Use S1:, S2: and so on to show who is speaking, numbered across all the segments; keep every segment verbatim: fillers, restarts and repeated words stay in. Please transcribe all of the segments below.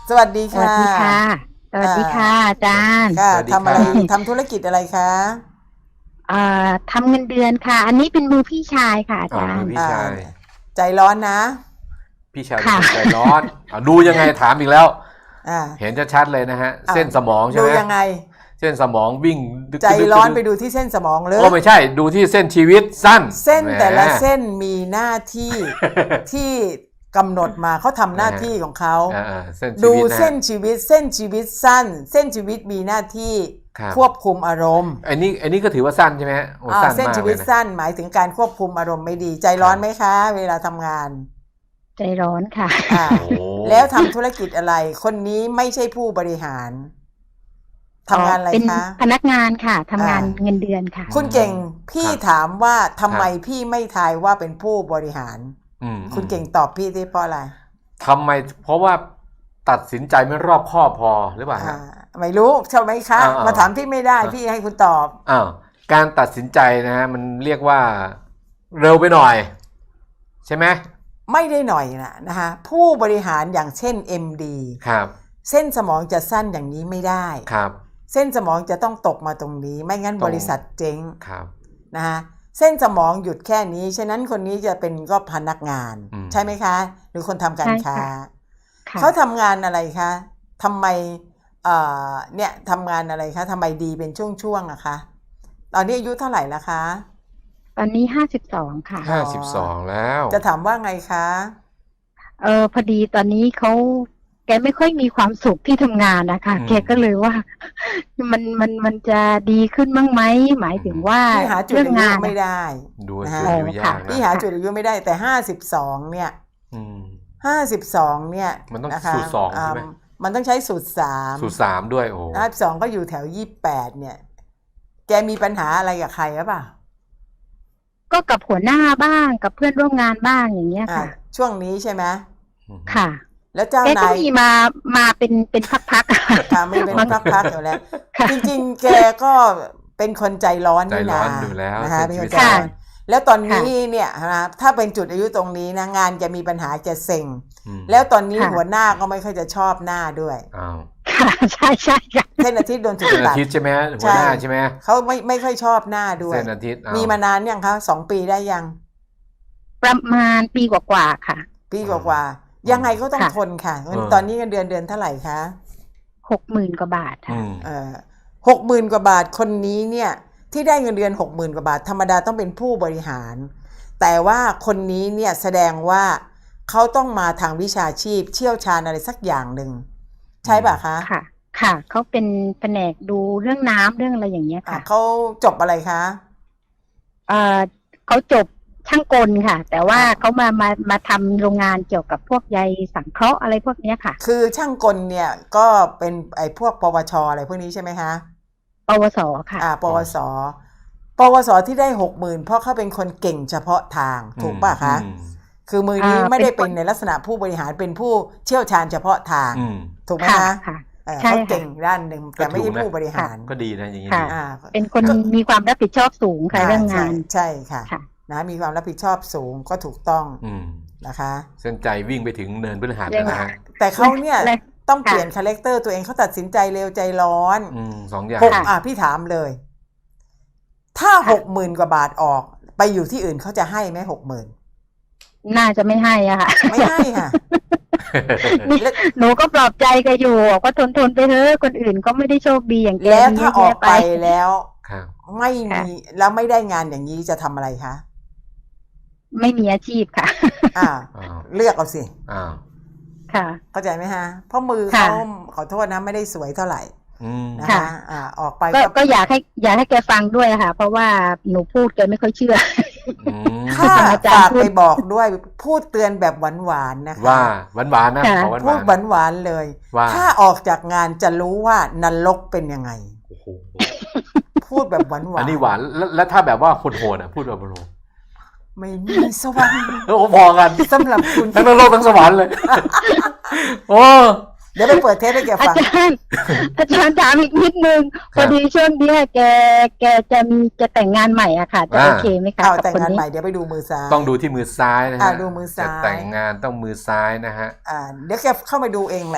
S1: สวัสดี
S2: สวัส
S1: ค่ะ
S2: ดีค่ะ สวัสดีค่ะ
S1: อ่า
S2: อาจารย์
S1: ค่ะ
S3: สวัสดี
S1: ทำอะไร
S3: ครับ
S1: ทำธุรกิจอะไรคะ
S2: เอ่อทำเงินเดือนค่ะ อันนี้เป็นมือพี่ชายค่ะอา
S3: อ๋อ
S2: จาร
S3: มือ
S2: ย์
S3: พี่
S1: อ่า
S3: ชาย
S1: ใจร้อนนะ
S3: พี่ชายเป็น
S2: ค่ะ
S3: คนใจร้อนอ่ะดูยังไงถามอีกแล้ว
S1: อ่า
S3: เห็นชัดๆเลยนะฮะ
S1: อ่า
S3: เส้นสมองใช่
S1: ดู
S3: ไหม
S1: ยังไง
S3: เส้นสมองวิ่งดึก
S1: ใจ
S3: ดึก
S1: ร้อน
S3: ดึก
S1: ไปดูที่เส้นสมองเลย
S3: โอ้ไม่ใช่ดูที่เส้นชีวิตสั้น
S1: เส้น
S3: แหม
S1: แต่ละเส้นมีหน้าที่ ที่กำหนดมาเขาทำหน้าที่ของเขา
S3: อ่าๆเส้นชี
S1: ดู
S3: วิตนะ
S1: เส้นชีวิต เส้นชีวิตสั้น เส้นชีวิตมีหน้าที่
S3: ครับ
S1: ควบคุมอารมณ์
S3: อันนี้อันนี้ก็ถือว่าสั้นใช่ไหมฮะโอ้
S1: อ่า
S3: สั้น
S1: เส้น
S3: มาก
S1: ชี
S3: เล
S1: วิ
S3: ย
S1: ต
S3: นะ
S1: สั้นหมายถึงการควบคุมอารมณ์ไม่ดี ใจร้อนไหมคะ เวลาทำงาน
S2: ใจร้อนค่ะ
S1: อ่า
S3: โอ้
S1: แล้วทำธุรกิจอะไร คนนี้ไม่ใช่ผู้บริหารทำงานอะไร
S2: เป็น
S1: คะ
S2: พนักงานค่ะทำงาน
S1: อ่า
S2: เงินเดือนค่ะ
S1: คุณเก่งพี่
S3: ครับ
S1: ถามว่าทำไม
S3: ครับ
S1: พี่ไม่ทายว่าเป็นผู้บริหาร
S3: อืม
S1: คุณเก่งตอบพี่ได้เพราะอะไร
S3: ทำไมเพราะว่าตัดสินใจไม่รอบคอบพอหรือเปล่า
S1: อ่า
S3: ฮะ
S1: ไม่รู้ใช่ไหมคะ
S3: อ่าๆ
S1: มาถามพี่ไม่ได้
S3: อ่า
S1: พี่ให้คุณตอบ
S3: อ้าวการตัดสินใจนะฮะมันเรียกว่าเร็วไปหน่อย ใช่ไหม
S1: ไม่ได้หน่อยนะนะคะผู้บริหารอย่างเช่น เอ็ม ดี
S3: ครับ
S1: เส้นสมองจะสั้นอย่างนี้ไม่ได้
S3: ครับ
S1: เส้นสมองจะต้องตกมาตรงนี้ ไม่งั้น
S3: ตรง
S1: บริษัทเจ๊ง
S3: ครับ
S1: นะคะเส้นสมองหยุดแค่นี้ฉะนั้นคนนี้จะเป็นก็พนักงาน
S3: อืม
S1: ใช่ไหมคะ หรือคนทำการ
S2: ใช่
S1: ค้า
S2: ค่ะ ค่ะ
S1: เขาทำงานอะไรคะทำไมเอ่อเนี่ยทำงานอะไรคะทำไมดีเป็นช่วงๆอะคะ ตอนนี้อายุเท่าไหร่แล้วคะ
S2: ตอนนี้ห้าสิบสองค่ะ
S3: ห้าสิบสองแล้ว
S1: จะถามว่าไงคะ
S2: เออพอดีตอนนี้เขาแกไม่ค่อยมีความสุขที่ทำงานนะคะ
S3: อืม
S2: แกก็เลยว่า มันมันมันจะดีขึ้นบ้างไหมหมายถึงว่า
S1: พี่หาจุด
S2: เรื่อง
S1: อายุ
S2: งาน
S1: ไม่
S2: อะ
S1: ได้
S3: ดู
S1: นะ
S3: จุ
S1: ฮะ
S3: ดอายุยาก
S1: พี่
S3: นะ
S1: หาจุดอายุไม่ได้แต่ห้าสิบสองเนี่ย
S3: อืม
S1: ห้าสิบสองเนี่ย
S3: มันต้อง
S1: นะคะ
S3: สูตรสองใช่ไหม
S1: ามันต้องใช้สูตรสาม
S3: สูตรสามด้วยโอ้
S1: ห้าสิบสองก็อยู่แถวยี่แปดเนี่ย แกมีปัญหาอะไรกับใครหรือเปล่า
S2: ก็กับหัวหน้าบ้างกับเพื่อนร่วมงานบ้างอย่างเงี้ย
S1: อ่า
S2: ค่ะ
S1: ช่วงนี้ใช่ไหม
S2: ค่ะ
S1: แล้วเจ้า
S2: แกก็
S1: นาย
S2: มีมามาเป็นเป็นพักๆ
S1: ค่ะไม่เป็นพักๆอยู่แล้ว
S2: ค่ะ
S1: จริงๆ แกก็เป็นคนใจร้อน
S3: ใจ
S1: นี่
S3: ร้
S1: นะ
S3: อนอยู่แล้ว
S1: นะคะ
S3: เส้
S1: เป็น
S3: น ชีวิต
S1: คนใจร้อน
S2: ค่ะ
S1: แล้วตอนนี้เนี่ยนะถ้าเป็นจุดอายุตรงนี้นะงานจะมีปัญหาจะเซ็ง
S3: อืม
S1: แล้วตอนนี้
S2: ค่ะ
S1: หัวหน้าก็ไม่ค่อยจะชอบหน้าด้วย
S3: อ้าว
S2: ค่ะใช่ใช่ค่ะ
S1: เส้นอาทิตย์โดนถูก
S3: เส้นอา
S1: ตัด
S3: ทิตย์ใช่ไหมฮะหัวหน้าใช่ไหม
S1: เขาไม่ไม่ค่อยชอบหน้าด้วย
S3: เส้นอาทิตย์อ้ว
S1: มีมานานยังคะสองปีได้ยัง
S2: ประมาณปีกว่าๆค่ะ
S1: ปีกว่าๆยังไงก็ต้อง
S2: ค่ะ
S1: ทนค่ะ ตอนนี้เงินเดือนเดือนเท่าไหร่คะ
S2: หกหมื่นกว่าบาท
S3: อื
S2: ค่ะ
S3: ม
S1: เอ่อหกหมื่นกว่าบาทคนนี้เนี่ยที่ได้เงินเดือนหกหมื่นกว่าบาทธรรมดาต้องเป็นผู้บริหาร แต่ว่าคนนี้เนี่ยแสดงว่าเขาต้องมาทางวิชาชีพเชี่ยวชาญอะไรสักอย่างหนึ่งใช่ป่ะคะ
S2: ค่ะ ค่ะ เขาเป็นแผนกดูเรื่องน้ำเรื่องอะไรอย่างเงี้ย
S1: อ่ะ
S2: ค่ะ
S1: เขาจบอะไรคะ
S2: เอ่อเขาจบช่างกลค่ะ แต่ว่าเขามามามาทำโรงงานเกี่ยวกับพวกใยสังเคราะห์อะไรพวกเนี้ยค่ะ
S1: คือช่างกลเนี่ยก็เป็นไอ้พวกปวชอะไรพวกนี้ใช่ไหมคะ
S2: ปวสค่ะ
S1: อ่า ปวส ปวสที่ได้หกหมื่นเพราะเขาเป็นคนเก่งเฉพาะทางถูกป่ะคะ
S3: อืม
S1: คือมือนี้
S2: อ่า
S1: ไม่ได้
S2: เป็
S1: เป็น
S2: นคน
S1: ในลักษณะผู้บริหารเป็นผู้เชี่ยวชาญเฉพาะทาง
S3: อืม
S1: ถูกไหม
S2: ค่ะ
S1: คะ
S2: ค่ะ
S1: เออ
S2: ใช่
S1: เขา
S2: ค่ะ
S1: เก่งด้านหนึ่งแต่ไม่ใช่
S3: ก็ถูกนะ
S1: ผู้บริหาร
S3: ก็ดีนะอย่างนี้
S2: ค่ะ
S3: ดี
S1: อ่า
S2: เป็นคนมีความรับผิดชอบสูงค่ะเรื่องงาน
S1: ใช่ใช่ค่ะ
S2: ค่ะ
S1: นะมีความรับผิดชอบสูงก็ถูกต้อง
S3: อืม
S1: นะคะ
S3: เส้นใจวิ่งไปถึงเนินพฤหัส
S2: เรื่
S3: แล้
S2: อง
S3: วนะฮะ
S1: แต่เขาเนี่ย
S2: และ
S1: ต้องเปลี่ยนคาแรคเตอร์ตัวเองเขาตัดสินใจเร็วใจร้อน
S3: อืมสองอย่าง
S1: หก
S2: ค่ะ
S1: อ่ะพี่ถามเลย ถ้าหกหมื่นกว่าบาทออกไปอยู่ที่อื่นเขาจะให้ไหมหกหมื่น
S2: น่าจะไม่ให้อะค่ะ
S1: ไม่ให้ค่ะ
S2: นี่หนูก็ปลอบใจแกอยู่บอกว่าทนทนๆไปเถอะคนอื่นก็ไม่ได้โชคดีอย่างแก
S1: แล้ว
S2: มี
S1: ถ้า
S2: เยอะ
S1: ออก
S2: แยะ
S1: ไปแล้ว
S3: ครับ
S1: ไม่มีแล้วไม่ได้งานอย่างนี้จะทำอะไรคะ
S2: ไม่มีอาชีพค่ะ
S1: อ่า
S3: อ้าว
S1: เลือกเอาสิ
S3: อ้าว
S2: ค่ะ
S1: เข้าใจไหมฮะเพราะมือ
S2: ค่ะ
S1: เขาขอโทษนะไม่ได้สวยเท่าไหร่
S3: อืม
S1: นะ
S2: ค่ะ
S1: คะอ่าออกไป
S2: ก็
S1: ก็
S2: ก็อยากให้อยากให้แกฟังด้วยค่ะ เพราะว่าหนูพูดแกไม่ค่อยเชื่อ
S3: อืม
S1: ถ้า
S2: อาจารย์
S1: ฝาก
S2: พูด
S1: ไปบอกด้วยพูดเตือนแบบหวานๆนะคะ
S3: ว่าหวานหวานๆนะ
S2: ค่ะ
S3: ขอหวาน
S1: พูด
S3: หวาน
S1: หวานๆเลย
S3: ว่า
S1: ถ้าออกจากงานจะรู้ว่านรกเป็นยังไง
S3: โอ้โห
S1: พูดแบบหวานๆ
S3: อันนี้หวานแล้วแล้วถ้าแบบว่าโหดๆอ่ะพูดแบบโหด
S1: ไม่มีสวรรค์
S3: ๆโอ้พอกัน
S1: สำหรับคุณ
S3: ทั้งนรกทั้งสวรรค์เลย โอ้
S1: เดี๋ยวไปเปิดเทปให้แก
S2: อา
S1: ฟัง
S2: จารย์ อาจารย์ถามอีกนิดนึง
S3: ค
S2: พ
S3: รับ
S2: อดีช่วงเนี้ยแกแกจะมีจะแต่งงานใหม่อะค่ะ จะ
S3: อ่า
S2: โอเคไหมคะ
S1: เอา
S2: กับ
S1: แต่ง
S2: คน
S1: งาน
S2: นี้
S1: ใหม่เดี๋ยวไปดูมือซ้าย
S3: ต้องดูที่มือซ้ายนะ
S1: อ่า
S3: ฮะ
S1: ดูมือซ้าย
S3: จะแต่งงานต้องมือซ้ายนะฮะ
S1: อ่าเดี๋ยวแกเข้ามาดูเองแหละ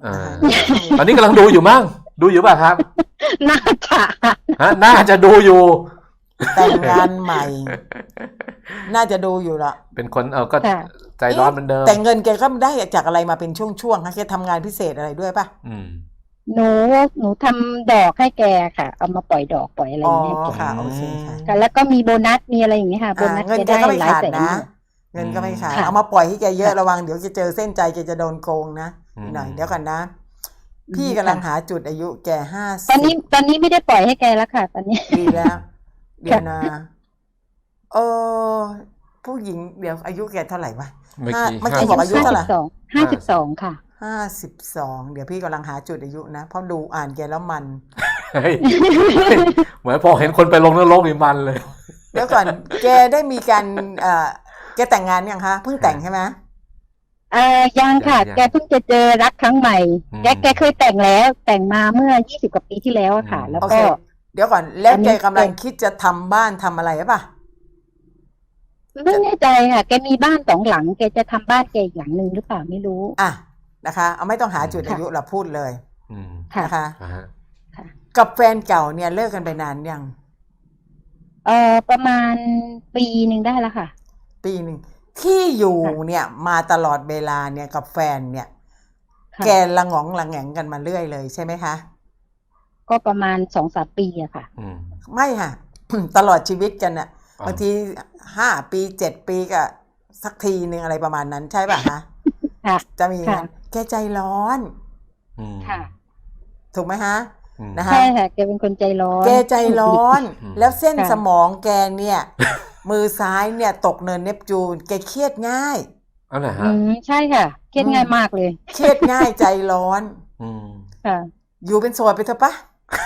S3: เออตอนนี้กำลังดูอยู่มั้งดูอยู่ป่ะครับ
S2: น่าจะ
S3: ฮะน่าจะดูอยู่
S1: แต่งงานใหม่ น่าจะดูอยู่ละ
S3: เป็นคนเออก็
S2: ค่ะ
S3: ใจร้อนเหมือนเดิม
S1: แต่เงินแกก็ได้จากอะไรมาเป็นช่วงๆคะแกทำงานพิเศษอะไรด้วยป่ะ
S3: อืม
S2: หนูหนูทำดอกให้แกค่ะ เอามาปล่อยดอกปล่อยอะไรอ
S1: อ๋อย่าง
S2: เงี้ยแก
S1: ค่ะโอเคค่ะ
S2: ค่ะแล้วก็มีโบนัสมีอะไรอย่างเงี้ยค่ะโบ
S1: อ่า
S2: นัส
S1: เงิน
S2: แก
S1: แก
S2: ได้
S1: ก็ไม่
S2: หลาย
S1: ขาด
S2: แสน
S1: นะ เงินก็ไม่ขาด
S2: ค่ะ
S1: เอามาปล่อยให้แกเยอะ
S2: ค่ะ
S1: ระวังเดี๋ยวจะเจอเส้นใจแกจะโดนโกงนะ
S3: อืม
S1: หน่อยเดี๋ยวก่อนนะ
S2: อืม
S1: พี่กำลัง
S2: ค่ะ
S1: หาจุดอายุแกห้าสิบ
S2: ตอนนี้ตอนนี้ไม่ได้ปล่อยให้แกแล้วค่ะ ตอนนี้
S1: ดีแล้ว เดี๋ยวนะเออผู้หญิงเดี๋ยวอายุแกเท่าไหร่วะ
S3: เมื่อ
S1: ห้า
S3: กี้
S1: เมื่อ
S3: ห้า
S1: กี้บอกอายุ
S2: ห้า
S1: เท่า
S2: สิ
S1: ไหร่
S2: บสองห้าสิบสองค่ะ
S1: ห้าสิบสองเดี๋ยวพี่กำลังหาจุดอายุนะเพราะดูอ่านแกแล้วมัน
S3: เฮ้ยเหมือนพอเห็นคนไปลงนรกนี่มันเลย
S1: เดี๋ยวก่อน แกได้มีการเอ่อแกแต่งงานยังคะเพิ่งแต่งใช่ไหม
S2: เอ่อยังค่ะ
S3: ยัง
S2: แกเพิ่งจะเจอรักครั้งใหม่
S3: อืม
S2: แกแกเคยแต่งแล้ว แต่งมาเมื่อยี่สิบกว่าปีที่แล้วอะค่ะ
S3: อืม
S2: แล้ว
S1: โอเค
S2: ก็
S1: เดี๋ยวก่อน แล้ว
S2: อันนี้
S1: แกกำลังคิดจะทำบ้านทำอะไรหรือเปล่า
S2: ไม่แน่ใจค่ะ แกมีบ้านสองหลัง แกจะทำบ้านแกอีกหลังหนึ่งหรือเปล่าไม่รู้
S1: อ่ะนะคะ เอาไม่ต้องหาจุดอายุเราพูดเลย
S3: อืม
S2: ค่ะ
S1: นะคะ
S3: อ่าฮะ
S1: กับแฟนเก่าเนี่ยเลิกกันไปนานยัง
S2: เอ่อประมาณปีหนึ่งได้แล้วค่ะ
S1: ปีหนึ่งที่อยู่
S2: ค่ะ
S1: เนี่ยมาตลอดเวลาเนี่ยกับแฟนเนี่ย
S2: ค่ะ
S1: แกละงองละแงงกันมาเรื่อยเลยใช่ไหมคะ
S2: ก็ประมาณสองสามปีอะค่ะ
S3: อืม
S1: ไม่ค่ะ ตลอดชีวิตกันน่ะ
S3: อ๋อ
S1: บางทีห้าปีเจ็ดปีก็สักทีหนึ่งอะไรประมาณนั้นใช่ป่ะคะ
S2: ค่ะ
S1: จะมีอย่าง
S2: ค่ะ
S1: นั้นแกใจร้อน
S3: อืม
S2: ค่ะ
S1: ถูกไหมฮะ
S3: อืม
S1: นะคะ
S2: ใช่ค่ะ แกเป็นคนใจร้อน
S1: แกใจร้อน
S3: อืม
S1: แล้วเส้น
S2: ค่ะ
S1: สมองแกเนี่ย มือซ้ายเนี่ยตกเนินเนปจูน แกเครียดง่าย
S3: เอาไหน
S2: อื
S3: ฮะ
S2: มใช่ค่ะเครียดง่ายมากเลย
S1: เครียดง่ายใจร้อน
S3: อืม
S2: ค่ะ
S1: อยู่เป็นโสดไปเถอะปะ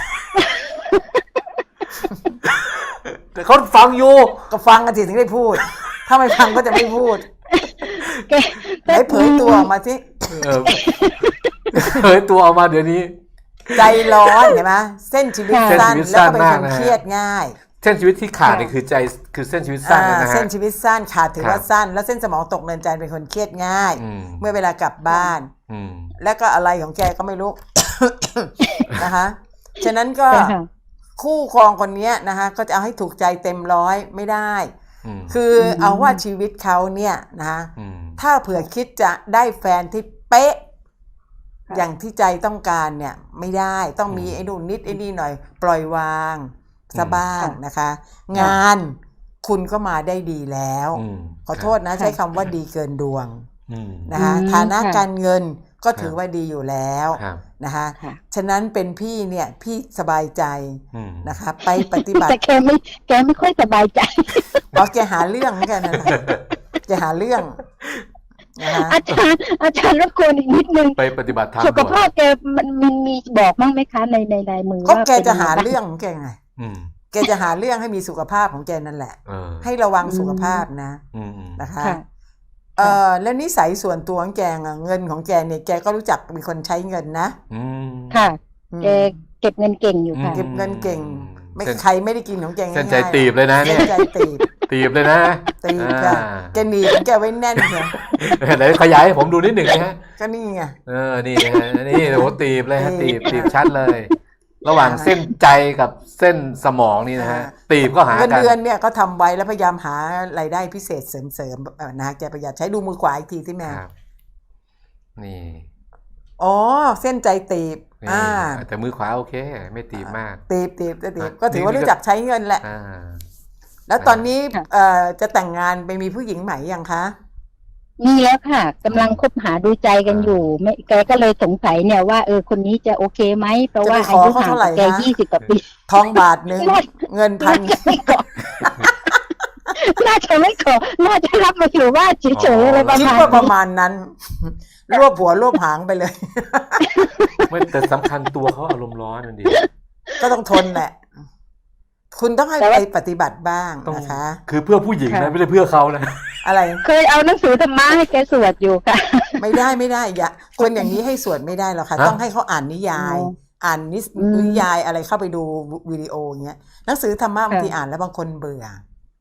S3: แต่เขาฟังอยู่
S1: ก็ฟังกันสิถึงได้พูด ถ้าไม่ฟังก็จะไม่พูด
S2: แก
S1: ไหนเผยตัวออกมาสิ
S3: เออเฮ้ยตัวออกมาเดี๋ยวนี้
S1: ใจร้อนเห็นไหมเส้นชีวิต
S2: ค่ะ
S1: สั้น
S3: เส้นชีวิต
S1: แล้วก็เป็น
S3: สั้
S1: คน
S3: นมากนะฮะ
S1: เครียดง่าย
S3: เส้นชีวิตที่ขาดนี่คือใจคือเส้นชีวิตสั้น
S1: อ่า
S3: นะฮะ
S1: เส้นชีวิตสั้นขาดถือ
S3: ครับ
S1: ว่าสั้น แล้วเส้นสมองตกเนินใจเป็นคนเครียดง่าย
S3: อืม
S1: เมื่อเวลากลับบ้าน
S3: อืม
S1: แล้วก็อะไรของแกก็ไม่รู้ นะคะฉะนั้นก็
S2: ค่ะ
S1: คู่ครองคนเนี้ยนะคะก็จะเอาให้ถูกใจเต็มร้อยไม่ได้
S3: อืม
S1: คือเอาว่าชีวิตเขาเนี่ยนะคะ
S3: อืม
S1: ถ้าเผื่อคิดจะได้แฟนที่เป๊ะ
S2: ค่ะ
S1: อย่างที่ใจต้องการเนี่ยไม่ได้ต้องมี
S3: อืม
S1: ไอ้นู่นนิดไอ้นี่หน่อย ปล่อยวางซะบ้าง
S2: ค่ะ
S1: นะคะ งานคุณก็มาได้ดีแล้ว
S3: อืม
S1: ขอโทษนะ
S2: ค่ะ
S1: ใช้คำว่าดีเกินดวง
S3: อืม
S1: นะคะ
S2: อืม
S1: ฐานะ
S2: ค่ะ
S1: การเงินก็
S3: ครับ
S1: ถือว่าดีอยู่แล้ว
S3: ครับ
S1: นะคะ
S2: ค่ะ
S1: ฉะนั้นเป็นพี่เนี่ยพี่สบายใจ
S3: อืม
S1: นะคะ ไปปฏิบัติ
S2: แต่แกไม่แกไม่ค่อยสบายใจ
S1: เพราะแกหาเรื่องเหมือนกันนะแกหาเรื่องนะคะ
S2: อาจารย์อาจารย์รบกวนอีกนิดนึง
S3: ไปปฏิบัติธรรม
S2: สุข
S3: ก่อน
S2: ภาพแกมันมันมีบอกมั้งไหมคะในในลายมือ
S1: ก็
S2: ว่า
S1: แกจะหา
S2: ป็นยังไงบ้
S1: เรื่องของแกไง
S3: อืม
S1: แกจะหาเรื่องให้มีสุขภาพของแกนั่นแหละ
S3: เออ
S1: ให้ระวังสุขภาพนะ
S3: อืมอืม
S1: นะคะ
S2: ค่ะ
S1: เออแล้วนิสัยส่วนตัวของแกอะเงินของแกเนี่ยแกก็รู้จักเป็นคนใช้เงินนะ
S3: อืม
S2: ค่ะ
S1: อืม
S2: แกเก็บเงินเก่งอยู่ค่ะ
S1: เก็บเงินเก่ง ไม่
S3: เส้น
S1: ใครไม่ได้กินของแกง่ายๆ
S3: เส้นใจตีบเลยนะเนี่ย
S1: เส้นใจตีบ
S3: ตีบเลยนะ
S1: ตีบค่ะ
S3: อ่า
S1: แกหนีบของแกไว้แน่นเลย
S3: ไหนขยายให้ผมดูนิดหนึ่งนะฮะ
S1: ก็นี่ไง
S3: เออ นี่นะฮะนี่โอ้โหตีบเลยฮะ
S1: ตี
S3: ตี
S1: บบ
S3: ตีบชัดเลย ระหว่างเส้นใจกับเส้นสมองนี่นะฮะ ตีบก็หา
S1: เงิน
S3: กัน
S1: เดือนเนี่ยก็ทำไว้แล้วพยายามหารายได้พิเศษเสริมๆเอ่อนะแกประหยัดใช้ดูมือขวาอีกทีที่แม่
S3: ครับ นี่
S1: อ๋อเส้นใจตีบ
S3: นี่
S1: อ่า
S3: แต่มือขวาโอเค ไม่ตีบมาก
S1: ตีบตีบตีบ
S3: อ่ะ
S1: ก็ถือว่า
S3: นี่ก็
S1: รู้จักใช้เงินแหละ
S3: อ่า
S1: แล้วตอนนี้
S2: ค่ะ
S1: เอ่อจะแต่งงานไปมีผู้หญิงใหม่ยังคะ
S2: มีแล้วค่ะกำลังคบหาดูใจกันอยู่ไม่แกก็เลยสงสัยเนี่ยว่าเออคนนี้จะโอเคไหมเพราะว่า
S1: จะไปข
S2: อา
S1: อ
S2: ยุ
S1: เขา
S2: ห่าง
S1: เท่าไหร่
S2: กับแก
S1: คะ
S2: ยี่สิบกว่าปี
S1: ทองบาทหนึ่ง
S2: น่า
S1: เงินพัน
S2: น่าจะไม่ขอน่าจะไม่ขอน่าจะรับมาอยู่บ้านเฉยๆอะไรประ
S1: คิด
S2: มาณ
S1: ว่าประ
S2: นี้
S1: มาณนั้น รวบหัวรวบหางไปเลย
S3: ไม่แต่สำคัญตัวเขาอารมณ์ร้อนนั่นดี
S1: ก็ต้องทนแหละ คุณต้องให้ไปปฏิบัติบ้าง
S3: ต้อง
S1: นะคะ
S3: คือเพื่อผู้หญิงนะไม่ได้เพื่อเขานะ
S1: อะไร
S2: เคยเอาหนังสือธรรมะให้แกสวดอยู่ค่ะ
S1: ไม่ได้ไม่ได้อย่าคนอย่างนี้ให้สวดไม่ได้หรอกค่ะ
S3: ฮะ
S1: ต้องให้เขาอ่านนิยาย
S2: อ๋อ
S1: อ่านนิส
S2: อืม
S1: นิยายอะไรเข้าไปดูวิดีโออย่างเงี้ยหนังสือธรรมะบางที
S2: ค่ะ
S1: อ่านแล้วบางคนเบื่อ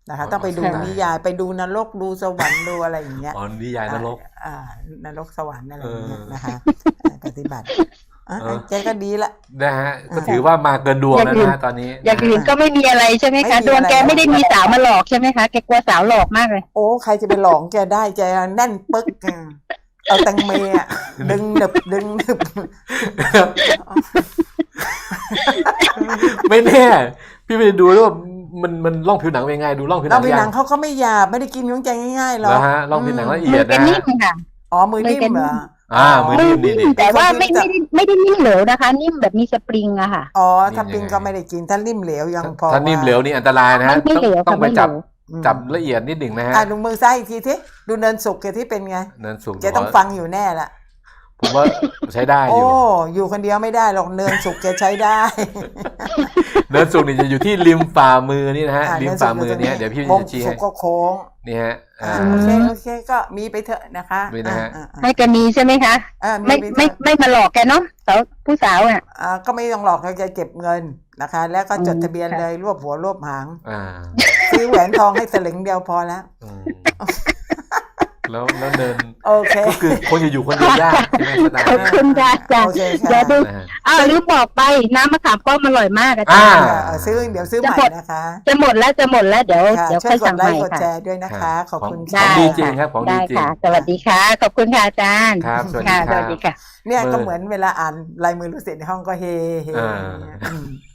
S1: นะคะ ต้องไปดู
S3: อ๋อ
S1: นิยายไปดูนรกดูสวรรค์ดูอะไรอย่างเงี้ย
S3: อ๋อนิยายนรก
S1: อ่าอ่านรกสวรรค์อะไรอย่างเงี้ย
S3: เออ
S1: นะคะอ่าปฏิบัติอ่ะ
S3: เออ
S1: แกก็ดีละ
S3: นะฮะก็
S1: อ่า
S3: ถือว่ามาเกินดวงแล้วนะฮะตอนนี้
S2: อย่างอื่นก็ไม่มีอะไรใช่ไหม
S1: ไม่
S2: คะ
S1: มี
S2: ดวงแก
S1: อะไร
S2: ไม่ได้มีสาวมาหลอกใช่ไหมคะแกกลัวสาวหลอกมากเลย
S1: โอ้ใครจะไปหลอกแกได้แกแน่นปึ๊กอ่ะเอาแตังเมอ่ะดึงหนึบดึงหนึบ
S3: ไม่แน่ พี่ไปดูแล้วว่ามันมันล่องผิวหนังเป็นยังไงดูล่องผิวหนั
S1: เรา
S3: ง
S1: ไปหนัง
S3: ยัง
S1: เขาก็ไม่หยาบไม่ได้กินของแกง่ายๆหร
S3: แล้
S1: อ
S3: ว
S1: ก
S3: ฮะล่องผิวหนังละเอี
S2: มื
S3: ย
S2: อ
S3: ด
S2: แก
S3: นะ
S2: นิ่
S3: ฮะ
S2: มค่ะ
S1: อ๋อมือนิ่มเหรอ
S3: อ่ามือนิ่มนี่นี่
S2: แต่ว่าไม่ไม่ได้ไม่ได้นิ่มเหลวนะคะ นิ่มแบบมีสปริงอะค่ะ
S1: อ๋อถ้าปิงก็ไม่ได้กินถ้านิ่มเหลวยังพอ
S3: ถ้านิ่มเหลวนี่อันตรายนะฮะ
S2: ไม่ไม่เหลว
S3: ต้องต้องไป
S2: ค่ะไม่
S3: จับ
S2: เหลว
S1: อืม
S3: จับละเอียดนิดหนึ่งนะฮะ
S1: อ่ะดูมือซ้ายอีกทีที่ดูเนินสุกแกที่เป็นไง
S3: เนินสูง
S1: แกต้องฟังอยู่แน่ละ
S3: ผมว่าใช้ได้อ
S1: โอ้
S3: ยู่
S1: อยู่คนเดียวไม่ได้หรอกเนินสุกแกใช้ได้
S3: เนินสูงนี่จะอยู่ที่ริมฝ่ามือนี่นะฮะ
S1: อ่ะ
S3: ริม
S1: เนินสุ
S3: ฝ่าก มือเนี้ยเดี๋ยวพี่
S1: วง
S3: จะชี้
S1: สุ
S3: ให้
S1: กก็โค้ง
S3: นี่ฮะอ่า
S1: อ่าโอเคโอเคก็มีไปเถอะนะคะ
S3: มีนะฮะ
S1: อ่าอ่า
S2: ให้แกมีใช่ไหมคะ
S1: อ่า
S2: ไม่
S1: มีไป
S2: ไม่
S1: เถอะ
S2: ไม่มาหลอกแกเนาะสาวผู้สาวอ่ะ
S1: อ่าก็ไม่ต้องหลอกแกเก็บเงินนะคะ แล้วก็จด
S2: อืม
S1: ทะเบียน
S2: ค่ะ
S1: เลยรวบหัวรวบหาง
S3: อ่า
S1: ซื้อแหวนทองให้สลึงเดียวพอแล้ว
S3: อืมแล้วแล้วเดิน
S1: โอเค
S3: ก็คือคนจะอยู่คนเดียวยากใช่ไหมสตา
S2: ขอบ
S3: ร์
S2: คุณค่ะจ้ะ
S1: โอเคค่ะ
S2: เดี๋ยวดู
S3: นะฮะ
S2: อ้าวลืมบอกไปน้ำมะขามป้อมอร่อยมากอาจา
S3: อ่า
S2: รย์
S1: เออซื้อเดี๋ยวซื้อใหม่นะคะ
S2: จะหมดแล้วจะหมดแล้วเดี๋ยว
S1: ค่ะ
S2: เดี๋ยว
S1: ช่ว
S2: ค่อย ย
S1: ก
S2: สั่
S1: ด
S2: ง
S1: ไล
S2: ใหม่
S1: ค์กดแช
S2: ค่ะ
S1: ร์ด้วยนะคะ ขอบคุณ
S3: ข
S1: ค่ะ
S3: องดีจริงครับของดี
S2: ได้
S3: จริง
S2: ค่ะ สวัสดีค่ะ ขอบคุณค่ะอาจารย์
S3: ครับสวัสดี
S2: ค่ะ
S3: ครับ
S2: สวัสดีค่ะ
S1: เนี่ย
S3: เบอร์
S1: ก็เหมือนเวลาอ่านลายมือลูกศิษย์ในห้องก็เฮเฮ
S3: อ่า
S1: อย่างเงี้ยอืม